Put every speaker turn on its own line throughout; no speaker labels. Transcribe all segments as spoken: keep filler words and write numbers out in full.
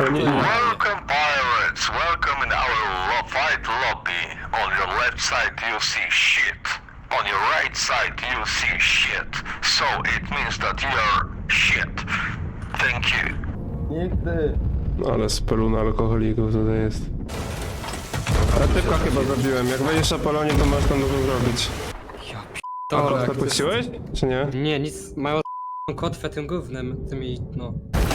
Ale nie, nie.
Welcome pirates, welcome in our lo fight lobby. On your left side you see shit. On your right side you see shit. So it means that you are shit. Thank you.
Nigdy.
No ale speluna alkoholików tutaj jest. Ale typka chyba zabiłem. Jak wejdziesz na polonie, to masz tam dużo zrobić.
Ja
A
p***dolę,
kotwę
jak to
puściłeś? Czy nie?
jest- Nie, nic, mają kotwę tym gównem, tymi, no.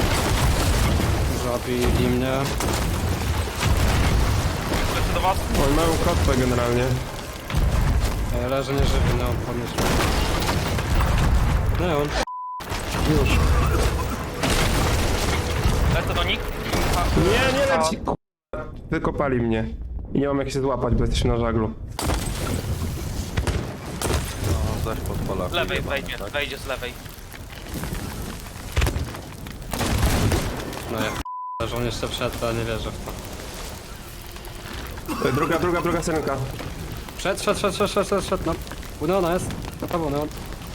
Zabili mnie.
Lecę do was.
Oni mają kotwę generalnie.
Ja leżę nieżywy, no, podnieś mnie. No, on. Już.
Lecę do nich.
Nie, nie leci, k***a. Wykopali mnie. I nie mam jak się złapać, bo jesteśmy na żaglu.
No, zaś podpala.
Z lewej wejdzie, wejdzie z lewej.
No ja p***, że on jeszcze wszedł, ale nie wierzę w to.
E, Druga, druga, druga syrenka.
Wszedł, wszedł, wszedł, wszedł, wszedł, wszedł, no. U Neona jest. Na prawo, Neon.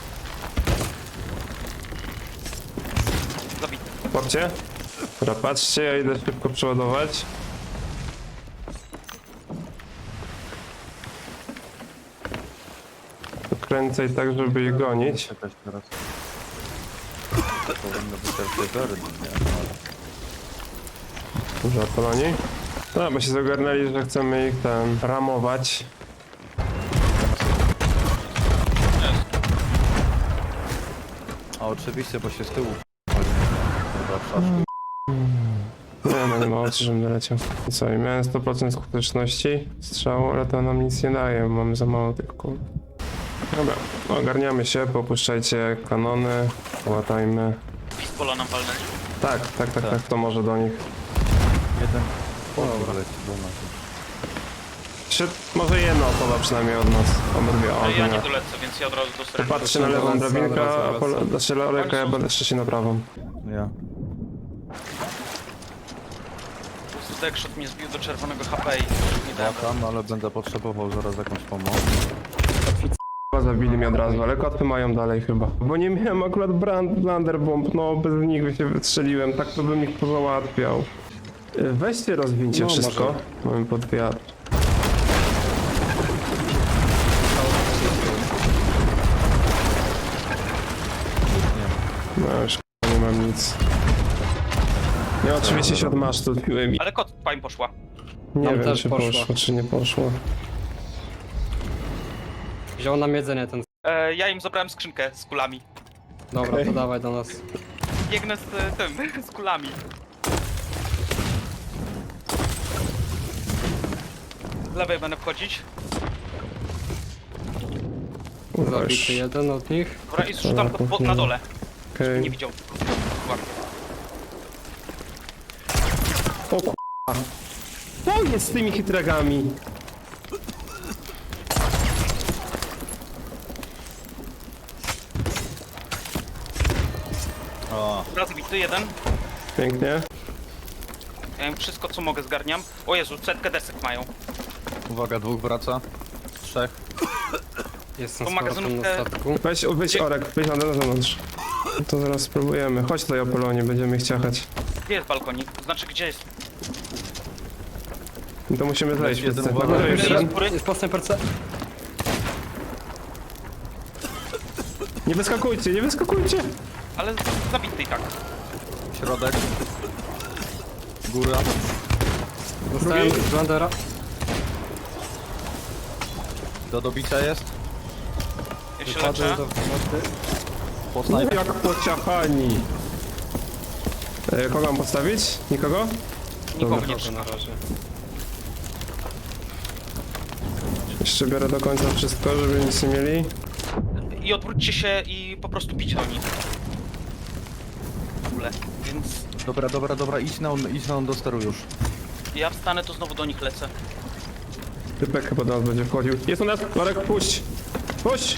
Zabity.
Łapcie. Dobra, patrzcie, ja idę szybko przeładować. Kręcaj tak, żeby ich gonić.
Czekać teraz. Powinno być też tegory, nie?
Dużo poloni. No, bo się zagarnęli, że chcemy ich tam ramować.
A oczywiście, bo się z tyłu chyba w szaszku.
Nie, no nie ma opcji, żebym doleciał. I co, i miałem sto procent skuteczności strzału, ale to nam nic nie daje, bo mamy za mało tych kul. Dobra, ogarniamy się, popuszczajcie kanony, łatajmy.
Pispola nam walnęli.
Tak, tak, tak, tak, to może do nich.
Jeden. Dobra, leci do nas.
Trzy, może jedna osoba przynajmniej od nas, obydwie,
Ale ja nie
o,
dolecę, więc ja od razu do
to
strefy.
patrzcie na lewą
Wraca,
drabinkę,
wraca,
a po,
wraca.
znaczy Loleka, ja będę trzeci na prawą.
Ja.
Deckshot mnie zbił do czerwonego H P i nie
Ja
dałem.
tam, ale będę potrzebował zaraz jakąś pomoc.
Chyba zabili mnie od razu, ale kotwy mają dalej chyba. Bo nie miałem akurat brand, blunderbomb, no bez nich by się wystrzeliłem, tak to bym ich pozałatwiał. Y, Weźcie, rozwincie
No,
wszystko.
może.
Mamy pod wiatr. No już k***a, nie mam nic. Ja oczywiście się od masztu odpiłem i
Ale kot pań poszła.
nie
Nam
wiem
też
czy
poszła.
poszło, czy nie poszło.
Wziął nam jedzenie ten.
E, ja im zabrałem skrzynkę z kulami.
Dobra,
Okej.
to dawaj do nas.
Biegnę z e, tym, z kulami. Z lewej będę wchodzić.
Kurwa,
Zabity
już.
jeden od nich.
Dobra, i zrzucam pod, pod, na dole.
Okej.
Nie widział. Ładnie.
O k***a. Co jest z tymi hitragami?
O,
Raz zabity jeden.
Pięknie.
Ja im wszystko co mogę zgarniam. O Jezu, setkę desek mają.
uwaga, dwóch wraca. Trzech.
Jestem
To
z powrotem na
magazynkę-
statku.
Weź, weź Orek, weź na na zewnątrz. To zaraz spróbujemy. Chodź tutaj Apolonie, będziemy ich ciachać.
Gdzie jest balkonik? Znaczy gdzie jest?
I to musimy zejść
Jeden
wszyscy.
uwaga.
Na górze
Jest
jeden.
góry.
Jest po snajperce.
Nie wyskakujcie, nie wyskakujcie!
Ale zabity i tak.
Środek. Góra.
Dostałem Blundera.
Do dobicia jest.
Ja się
Wychodzę
leczę.
do wody.
Po snajpie.
Jak pociachani! E, kogo mam postawić? Nikogo?
Nikogo
Dobra.
nie
Dobrze,
trzyma.
na razie.
Jeszcze biorę do końca wszystko, żeby nic nie mieli.
I odwróćcie się i po prostu bić do nich. W ogóle. Więc
Dobra, dobra, dobra, idź na on, idź na on do steru już.
ja wstanę, to znowu do nich lecę.
Typek chyba do nas będzie wchodził. Jest u nas! Marek, puść! Puść!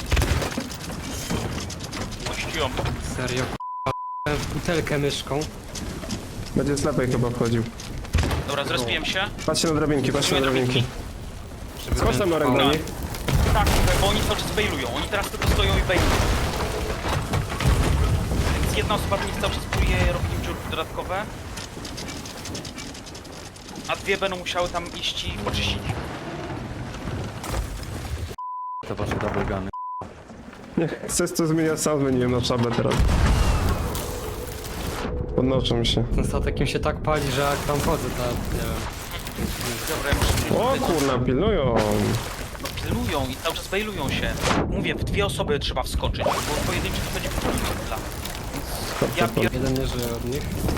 Puściłem.
Serio, k***a. w butelkę myszką.
Będzie z lewej chyba wchodził.
Dobra, zrespiłem się.
Patrzcie na drabinki, patrzcie na drabinki.
Żeby
Chodź tam
ten
Marek do
trwał.
nich.
Tak, bo oni cały czas bailują. Oni teraz tylko stoją i bailują. Więc jedna osoba w nich cały czas próbuje robić im dziurki dodatkowe. A dwie będą musiały tam iść i poczyścić.
Te wasze double guny.
Nie, chcesz to zmieniać, sam zmieniłem na szablę teraz. Podnoszą się.
Ten statek im się tak pali, że jak tam chodzę, to nie wiem.
Dobra, ja muszę...
O kurna, pilnują.
No pilnują i cały czas bailują się. Mówię, w dwie osoby trzeba wskoczyć, bo pojedynczy to będzie chwila. Więc ja pier...
Jeden nie żyje od nich.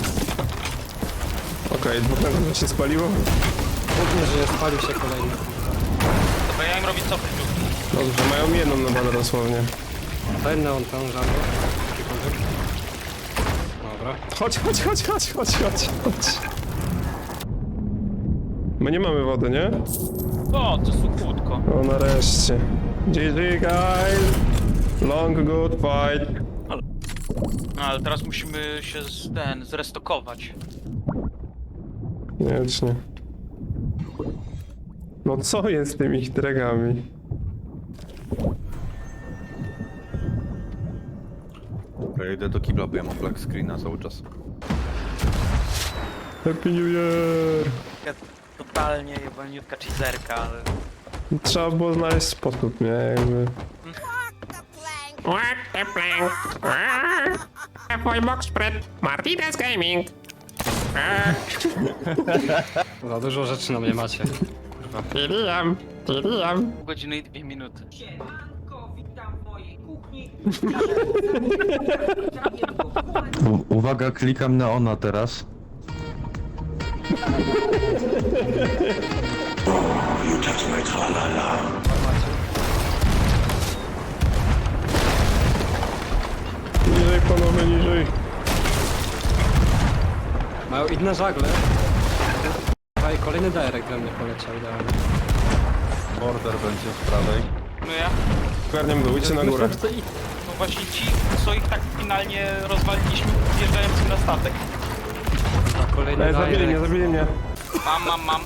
Okej, dwóch na górze się spaliło.
Dwóch nie żyje, spalił się kolejny.
Dobra, ja im robię cofy.
Dobrze, mają jedną na banę dosłownie.
Daj neon tam, żarło. Jakikolwiek. Dobra.
Chodź, chodź, chodź, chodź, chodź, chodź, chodź. My nie mamy wody, nie?
O, to suchutko.
O, nareszcie. G G, guys! Long, good fight.
No, ale teraz musimy się z, ten, zrestokować.
Koniecznie. No co jest z tymi dragami?
Dobra, idę do kibla, bo ja mam black screena cały czas.
Happy New Year!
Taka totalnie jebaniutka cheeserka, ale...
Trzeba było znaleźć sposób, nie? Jakby...
What the plank? F Y Box Spread, Martinez Gaming.
Za dużo rzeczy na mnie macie.
Tiriam, tiriam.
Pół godziny i dwie minuty.
Siemanko, witam w mojej kuchni.
U uwaga, klikam na ona teraz.
Niżej, panowie, niżej.
Mają inne żagle. A i kolejny direct we mnie poleciał idealnie.
Border będzie z prawej.
No ja?
Garniam dół, idźcie na górę.
Myślę, że to i-
No właśnie ci, co ich tak finalnie rozwaliliśmy, wjeżdżając na statek.
A kolejny
Ej, zabili mnie,
direct.
zabili mnie.
Mam, mam, mam.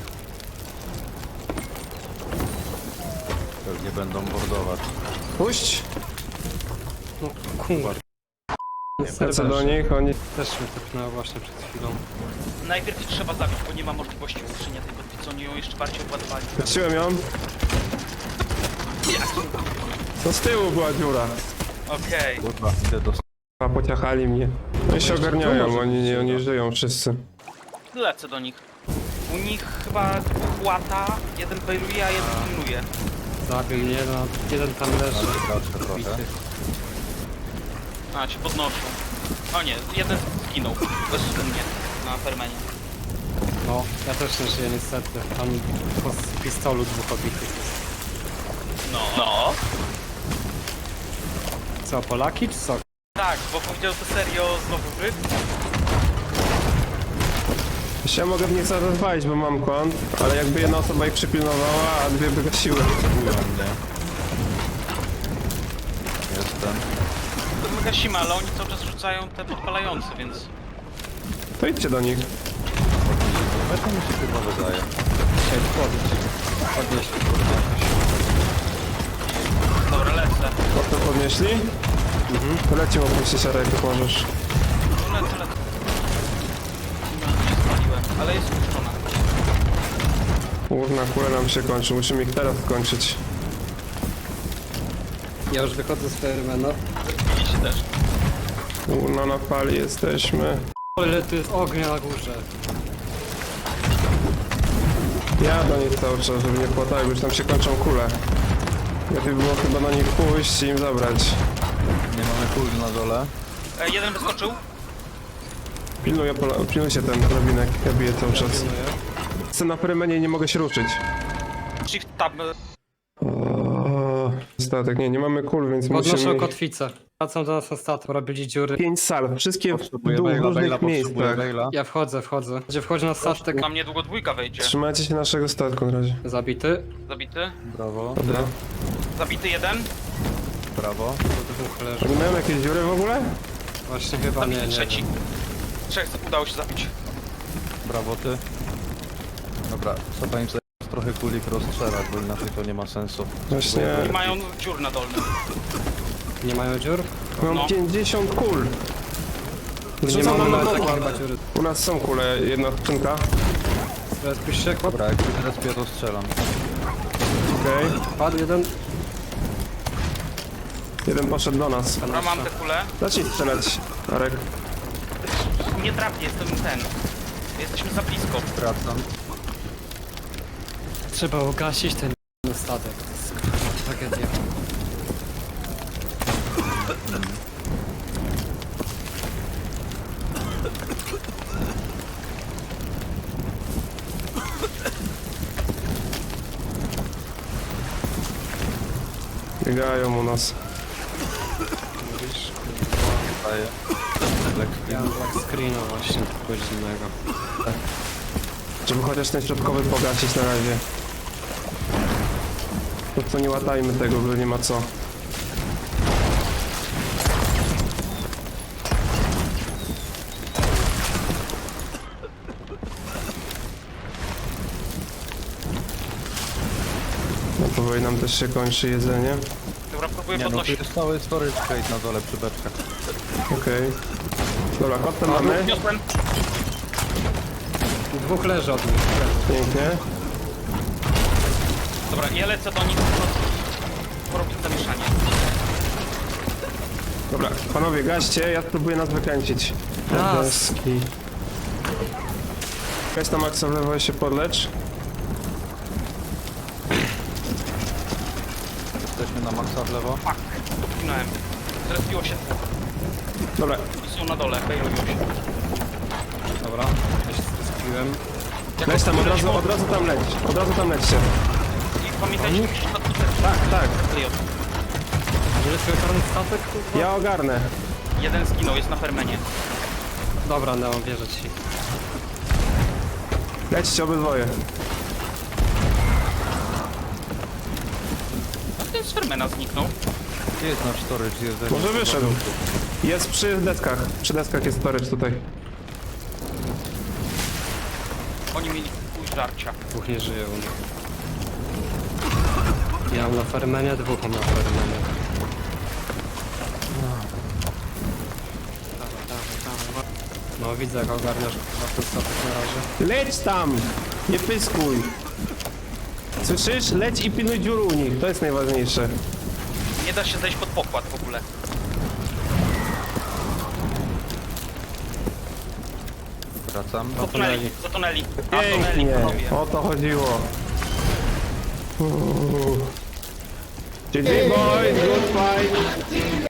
Pewnie będą bordować.
Puść!
No kurwa.
Lecę do nich, oni...
Też mnie tepnęło właśnie przed chwilą.
Najpierw ich trzeba zabić, bo nie ma możliwości utrzymania tej kotwicy, co oni ją jeszcze bardziej obładowali.
Patrzyłem ją. To z tyłu była dziura.
Okej.
Kurwa, idę do...
A pociachali mnie. No i się ogarniają, oni, nie, oni żyją wszyscy.
Lecę do nich. U nich chyba dwóch łata, jeden bailuje, a jeden pilnuje.
Zabił mnie, no jeden tam leży.
Patrzę trochę.
Bity.
A, się podnoszą. O nie, jeden zginął. Bezsumnie. Na permenie.
No, ja też nie żyję niestety. Tam po z pistolu dwóch obitych jest.
No. No.
Co, Polaki czy co?
Tak, bo powiedział to serio znowu wy.
Ja mogę w nich zaraz walić, bo mam kąt, ale jakby jedna osoba ich przypilnowała, a dwie by gasiły.
Kupują mnie. Jestem.
To my gasimy, ale oni cały czas rzucają te podpalające, więc...
To idźcie do nich.
Ale to mi się chyba wydaje.
Chciałem wchodzić. Podnieść.
Dobra, lecę.
To podnieśli? Mhm. Lecimy opuścić arek, jak możesz.
Lecę, lecę. No, się spaliłem, ale jest spuszczona.
Główna kula nam się kończy, musimy ich teraz skończyć.
Ja już wychodzę z Fairmana.
Widzicie też.
Główna na fali jesteśmy.
O ile tu jest ognia na górze.
Ja do nich cały czas, żeby nie płatały, bo już tam się kończą kule. Lepiej by było chyba na nich pójść i im zabrać.
Nie mamy kul na dole.
E, jeden wyskoczył.
Pilnuję, pola- pilnujcie ten drabinek, ja biję cały czas.
Pilnuję.
Chcę na prymenie i nie mogę się ruszyć.
Shift tab.
O, statek, nie, nie mamy kul, więc
Podnoszę
musimy...
kotwicę. Wracam do nas na statek, robili dziury.
Pięć sal, wszystkie w
Potrzebuję
dół, w
wejla,
różnych
wejla, potrzebuję
miejscach.
wejla.
Ja wchodzę, wchodzę. Gdzie wchodzi na statek?
Tam niedługo dwójka wejdzie.
Trzymajcie się naszego statku na razie.
Zabity.
Zabity.
Brawo,
Dobra.
Zabity jeden.
brawo.
To dwóch leży.
Oni mają jakieś dziury w ogóle?
Właśnie chyba nie,
Zabity
nie
trzeci.
wiem.
Trzech udało się zabić.
Brawo ty. Dobra, trzeba im zająć trochę kulik rozstrzelać, bo inaczej to nie ma sensu.
Właśnie,
I mają dziur na dolnym.
Nie mają dziur?
mam
No.
pięćdziesiąt kul.
Nie
Zrzucam
mamy
nam na
nawet
pokład.
takich chyba dziury.
U nas są kule, jedna skrzynka.
Respisz się, kład.
Dobra, jak się zrespię, to strzelam.
Okej.
Padł jeden.
Jeden poszedł do nas.
Dobra, mam te kule.
Zacznij strzelać, Arek.
Nie trafię, jestem ten. Jesteśmy za blisko.
Wracam.
Trzeba ugasić ten statek. To jest kurwa tragedia.
Biegają u nas.
Mówisz?
Daję. Black
Ja
screen.
mam black screena właśnie, kogoś innego.
Żeby chociaż ten środkowy pogasić na razie. To co, nie łatajmy tego, bo nie ma co. No powoli nam też się kończy jedzenie.
Dobra, próbuję
Nie no, tu
podnosić.
jest cały storage crate na dole przy beczkach.
Okej. Dobra, kotę mamy.
Wniosłem.
Dwóch leży od nich.
Pięknie.
Dobra, ja lecę do nich. Porobić zamieszanie.
Dobra, panowie, gaście, ja spróbuję nas wykręcić.
Raz.
Deski. Weź tam Maxa w lewo i się podlecz.
Jesteśmy na maksa w lewo.
Fuck, dotknąłem. Zrespiło się dwóch.
Dobra,
I są na dole, bailują się.
Dobra, ja się zespiłem.
leć tam, od razu, od razu tam leć. Od razu tam lećcie.
I pamiętajcie, że na tutaj
Tak, tak.
Że jest karny statek, kurwa?
Ja ogarnę.
jeden zginął, jest na fermenie.
Dobra, Neon, wierzę ci.
Lećcie obydwoje.
A ten z fermena zniknął.
Gdzie jest nasz storage jedzenia?
Może wyszedł. Jest przy deskach. Przy deskach jest storage tutaj.
Oni mieli pół żarcia.
Dwóch nie żyje u nich. Ja mam na fermenie, dwóch mam na fermenie. Dawaj, dawaj, dawaj. No widzę jak ogarniasz chyba ten statek na razie.
Leć tam! Nie pyskuj. Słyszysz? Leć i pilnuj dziur u nich. To jest najważniejsze.
Nie da się zejść pod pokład w ogóle.
Wracam.
Zatonęli, zatonęli. A, tonęli,
Pięknie.
panowie.
O to chodziło. Uuu. G G boys, good fight.